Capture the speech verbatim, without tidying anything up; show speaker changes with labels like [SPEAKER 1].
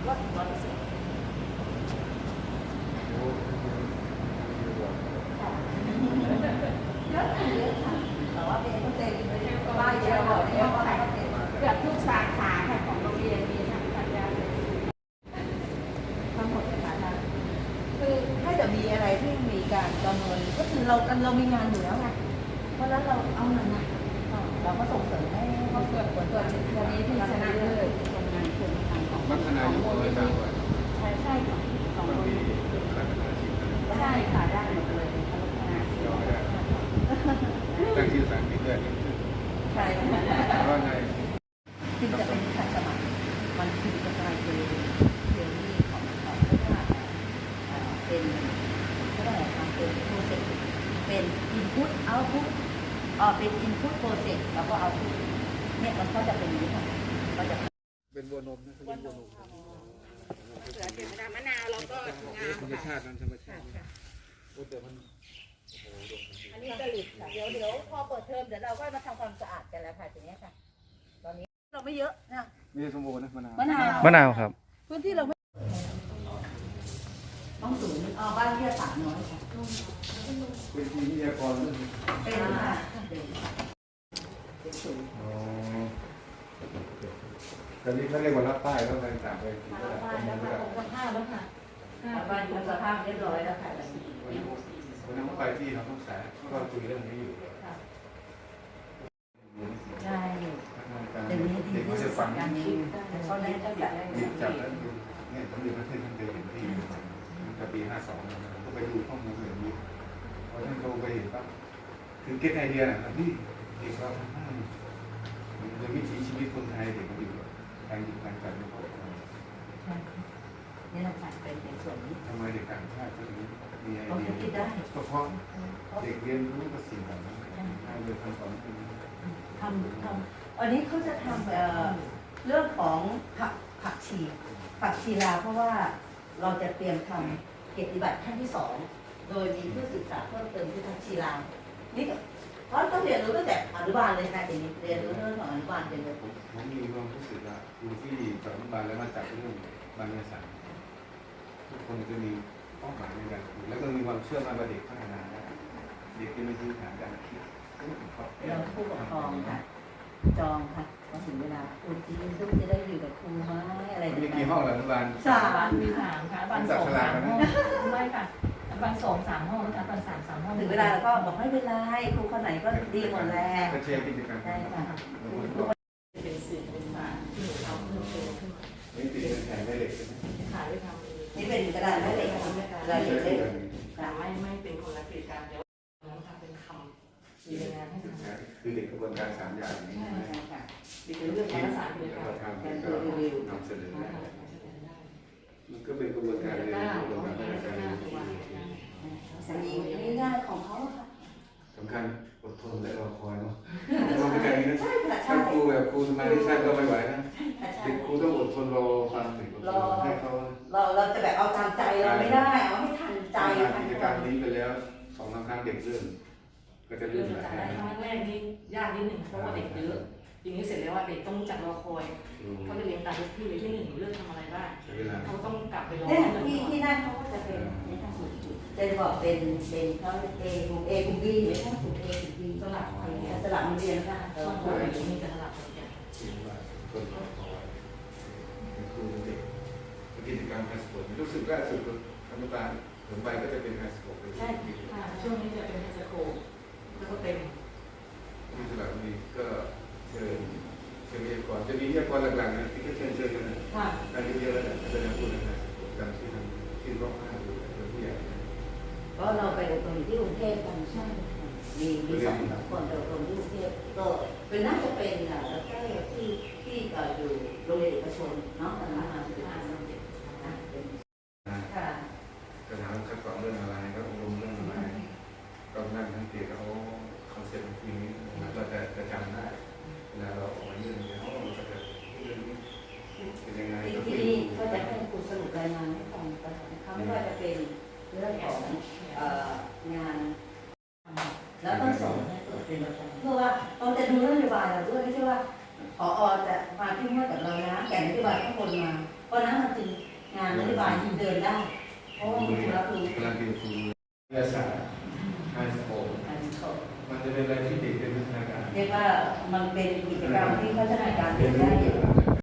[SPEAKER 1] ก็ร้อยเปอร์เซ็นต์เยอะค่ะเยอะค่ะแต่ว่าเป็นเต็มบ้านเยอะบอกเยอะว่าเกือบทุกสาขาค่ะของโรงเรียนมีทางปัญญาเลยทั้งหมดเลยค่ะคือถ้าจะมีอะไรที่มีการประเมินก็คือเราเรามีงานอยู่แล้วไงเพราะฉะนั้นเราเอาเงินนะเราก็ส่งเสริมให้เขาเกิดผลตัววันนี้ที่ชนะเลยทำงานคุณทางของ
[SPEAKER 2] พัฒนาอยู่เลยจ้างไว้
[SPEAKER 1] ใช่ใช่ค่ะสอง
[SPEAKER 2] บาง
[SPEAKER 1] คน
[SPEAKER 2] ทีพัฒนาชีวิต
[SPEAKER 1] ใช่ค่ะได้หมดเลยพัฒนา
[SPEAKER 2] ยอมได้ตั้งชื่อสารพิษด้วย
[SPEAKER 1] ใช่ค่ะ
[SPEAKER 2] ว่าไง
[SPEAKER 1] จึงจะเป็นการสมัครมันคือจะกลายเป็นเรื่องที่ของของเรียกว่าเป็นก็ได้ค่ะเป็นโปรเซสเป็นอินพุตเอาพุตอ๋อเป็นอินพุตโปรเซสแล้วก็เอาพุตเนี่ยมันก็จะเป็นอย่างนี้ค่ะก็จะ
[SPEAKER 2] เป็นบัวนมนะคือบัวนม
[SPEAKER 1] เสือเก็บมะนาวแล้วก็งา
[SPEAKER 2] ธรรมชาตินั้นธรรมชาติโอ้แต่มันโอ้โห
[SPEAKER 1] อันนี้กะหรี่ค่ะเดี๋ยวเดี๋ยวพอเปิดเทอมเดี๋ยวเราก็มาทำความสะอาดกันแล้วค่ะทีนี้ค่ะตอนนี้เราไม่เยอะนะ
[SPEAKER 2] มีสมบูรณ์นะมะนาว
[SPEAKER 1] มะนาว
[SPEAKER 3] มะนาวครับ
[SPEAKER 1] พื้นที่เราไม่ต้องสูงอ๋อบ้านที่สามน้อยค่ะ
[SPEAKER 2] เป็นที่วิทยากรเรื่อง
[SPEAKER 1] เป็นค่ะเป็นสูง
[SPEAKER 2] อ๋อตอนนี้เขาเรียกว่ารับป้ายแล้วอะไรต่างไป
[SPEAKER 1] บ้านแล้วค่ะองค์ผ้าแล้วค่ะบ้านองค์ผ้าเรียบร้อยแล้วค่ะ
[SPEAKER 2] วันนั้นไปที่เราต้องสายเราคุยเรื่องนี้อยู่
[SPEAKER 1] ใช่
[SPEAKER 2] เด็กเขาจะฟัง
[SPEAKER 1] การนี้เขาได้เจ้าจัดได้
[SPEAKER 2] หยิบจับแล้วดูเนี่ยสมเด็จพระเทพท่านเดินที่ตั้งแต่ปีห้าสองผมก็ไปดูข้อมูลอย่างนี้พอท่านโทรไปเห็นปั๊บคือเก็ตไอเดียนะพี่เด็กเราทำให้ยังวิถีชีวิตคนไทยเด็กมันอยู่การหยิบการจับไม่พอ
[SPEAKER 1] นี่เราผ่านเป็นในส่วนนี้
[SPEAKER 2] ทำไมเด็กต่างชาติถึงมีไอ
[SPEAKER 1] เขา
[SPEAKER 2] เดี
[SPEAKER 1] จะคิด
[SPEAKER 2] ย
[SPEAKER 1] ได้
[SPEAKER 2] ก็เพราะเด็กเรียนรู้กับสิ่งเหล่านั้นให้เรียนคำสอนคือ
[SPEAKER 1] ทำทำอันนี้เขาจะทำเอ่อเรื่องของผักผักชีผักชีลาวเพราะว่าเราจะเตรียมทำเกียรติบัตรขั้นที่สองโดยมีผู้ศึกษาเพิ่มเติมที่ผักชีลาวนี่ก็เพราะต้องเรียนรู้ตั้งแต่อนุบาลเลยนะเดี๋ยวนี้เรียนรู้เรื่องของอนุบาลเป็นเลย
[SPEAKER 2] ผมมีความรู้สึกว่าดูที่จอดรถบาลแล้วมาจับเรื่องบางเรื่องสารทุกคนจะมีเป้าหมายในการคุยแล้วก็มีความเชื่อมั่นว่าเด็กพัฒนาได้เด็กที่ไม่พื้นฐานการคิด
[SPEAKER 1] เราผู้ปกครองค่ะจองค่ะพอถึงเวลาคุณที่ลูกจะได้อยู่กับครูไหมอะไร
[SPEAKER 2] มีกี่ห้องหลังบ้าน
[SPEAKER 1] สาม
[SPEAKER 4] มีสามค่ะบ้านสองสามห้องไม่ค่ะบ้านสองสามห้องนะคะบ้านสามสามห้อง
[SPEAKER 1] ถึงเวลาเราก็บอกไม่เป็นไรครูคนไหนก็ดีหมดแหละ
[SPEAKER 2] ก็เชียร์กิจกรรม
[SPEAKER 1] ใช่ค่ะ
[SPEAKER 4] เป็นสื่อเป็นศาสตร์ที่หนูทำเพิ่มเติมขึ้นมา
[SPEAKER 2] นี่ติดเป็นแผงได้เหล็กใช่ไหม
[SPEAKER 4] ขายได้ทำเอง
[SPEAKER 1] นี่เป็นกระดาษแม่เหล็กค่ะกระดาษเหล็ก
[SPEAKER 4] แต่ไม่ไม่เป็นคนละกิจการเดี๋ยวน้ำทำเป็นคำมีงานให้ทำ
[SPEAKER 2] คือเด็กกระบวนการสามอย่างนี้
[SPEAKER 1] ใช่ค่ะ
[SPEAKER 4] มีเรื่องภาษากิจการ
[SPEAKER 2] ทำก็นำเสนอมันก็เป็นกระบวนการเรียนรู้กระบวนการพัฒนาการ
[SPEAKER 1] สัญญาง่ายๆของเขาค่ะ
[SPEAKER 2] สำคัญอดทนและรอคอยเนาะรอไปกันนี้นะ
[SPEAKER 1] ใช่ค่ะใช่
[SPEAKER 2] ถ้าครูแบบครูสมาธิสั้นก็ไม่ไหวนะ
[SPEAKER 1] ค่ะใช่
[SPEAKER 2] เด็กครูต้องอดทนรอฟังถึงให้เขา
[SPEAKER 1] เราเราจะแบบเอาตามใจเราไม่ได้เอาให้ทันใจ
[SPEAKER 2] กิจกรรมนี้ไปแล้วสองครั้งเด็กเริ่มก็จะ
[SPEAKER 4] เรื่
[SPEAKER 2] เริ่
[SPEAKER 4] อง
[SPEAKER 2] มหลาย
[SPEAKER 4] จากได้ครั้งแรกนี่ยากนิดหนึ่งเพราะว่าเด็กเยอะทีนี้เสร็จแล้วว่าเด็กต้องจัดรอคอยเขาจะเรียนตามที่เลยที่หนึ่งเรื่องทำอะไรบ้าง
[SPEAKER 2] ใช้เวลา
[SPEAKER 4] เขาต้องกลับไปรอ
[SPEAKER 1] เนี่ย
[SPEAKER 4] เรื่อง
[SPEAKER 1] ที่
[SPEAKER 4] ก่อน
[SPEAKER 1] ที่นั่นเขาก็จะเป็นในทางสูตรจะบอกเป็นเป็นเขาเอกลุ่มเอกลุ่มบีในทางสูตรเอกลุ่มบี
[SPEAKER 4] สลับไปเนี่ย
[SPEAKER 1] สลับมาเรียนกัน
[SPEAKER 4] บางคนมีแต่สลับกันอย่าง
[SPEAKER 2] คิดว่าคนรอคอยเป็นครูเด็กกิจกรรมไฮสคูลรู้สึกล่าสุดอนุบาลถึงไปก็จะเป็นไฮสคูลไป
[SPEAKER 4] ใช่ค่ะช่วงนี้จะเป็นไฮสคูลแล้วก็เต็ม
[SPEAKER 2] ที่สระบุรีก็เชิญเชิญวิทยากรจะมีวิทยากรหลักๆนะที่ก็เชิญเชิญกันนะ
[SPEAKER 1] ค่ะ
[SPEAKER 2] การเยอะๆแล้วนะอาจารย์พูดนะครับจำที่ทำที่ร้องไห้อยู่เป็นผู้ใหญ่
[SPEAKER 1] ก็เราไปอบรมที่กรุงเทพกันใช่มีมีสองคนไปอบรมที่กรุงเทพก็เป็นน่าจะเป็นอ่ะแล้วก็ที่ที่อยู่โรงเรียนเอกชนเนาะตอนนั้นมาเป็นห้าสิบเจ็ดนะเป็นค่ะ
[SPEAKER 2] จะถามคัดกรองเรื่องอะไรก็อบรมเรื่องอะไรก็นั่งทั้งเตียเขาคอนเซ็ปต์ทีนี้เราจะจะจำได้เวลาเราออกมาเรื่องนี้เขาเราจะเรื่องนี้เป็นยังไง
[SPEAKER 1] ที่ที่นี่ก็จะให้ครูสรุปรายงานให้ฟังกันนะคะไม่ว่าจะเป็นเรื่องของงานแล้วต้องส่งให้ตัวเป็นประจำเพื่อว่าเราจะดูนโยบายเราด้วยไม่ใช่ว่าผอจะมาที่เมื่อกับเรานะแต่นโยฏิบัติข้างบนมาเพราะนั้นมันจึงงานนโยบายที่เดินได้เพราะว่ามีผู้รับรู้
[SPEAKER 2] กำลังเป็นครูวิทยาศาสตร์ไฮสคูล
[SPEAKER 1] การสอบ
[SPEAKER 2] มันจะเป็นอะไรที่เด็กเป็นพัฒนาการ
[SPEAKER 1] เรียกว่ามันเป็นกิจกรรมที่พัฒนาการเด็กได้